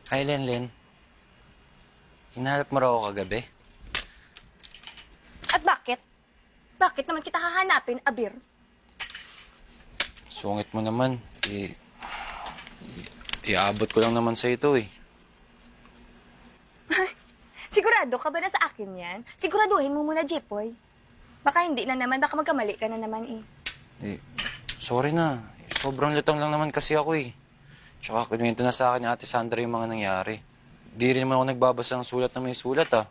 Hi, Lenlen. Hinahanap mo raw ako kagabi? At bakit? Bakit naman kita hahanapin, Abir? Sungit mo naman. Iabot ko lang naman sa ito eh. Sigurado ka ba na sa akin yan? Siguraduhin mo muna, Jepoy. Baka hindi na naman, baka magkamali ka na naman eh. Sorry na. Sobrang lutang lang naman kasi ako eh. Tsaka kinuwento na sa akin ni Ate Sandra yung mga nangyari. Di rin naman ako nagbabasa ng sulat na may sulat ah.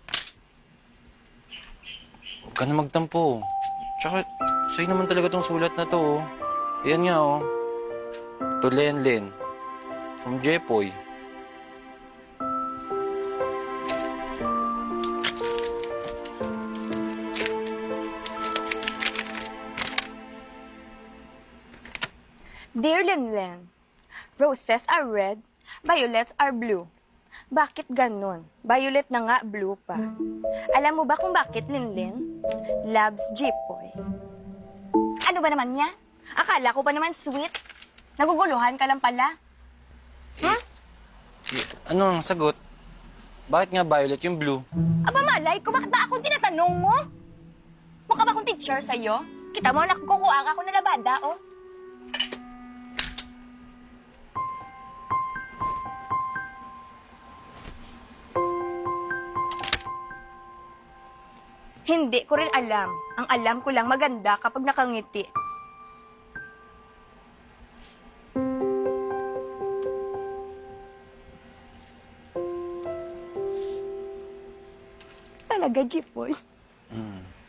Huwag ka na magtampo. Tsaka sa'yo naman talaga tong sulat na to oh. Ayan nga oh. To Lenlen. From Jepoy. Dear Linlen, roses are red, violets are blue. Bakit ganun? Violet na nga, blue pa. Alam mo ba kung bakit, Linlen? Loves Jepoy. Ano ba naman niya? Akala ko pa naman sweet. Naguguluhan ka lang pala. Ano ang sagot? Bakit nga violet yung blue? Aba malay ko, bakit ba akong tinatanong mo? Mukha ba akong teacher sa'yo? Kita mo, nakukuha ako na labada, oh. Hindi ko rin alam. Ang alam ko lang maganda kapag nakangiti. Talaga, Jepoy.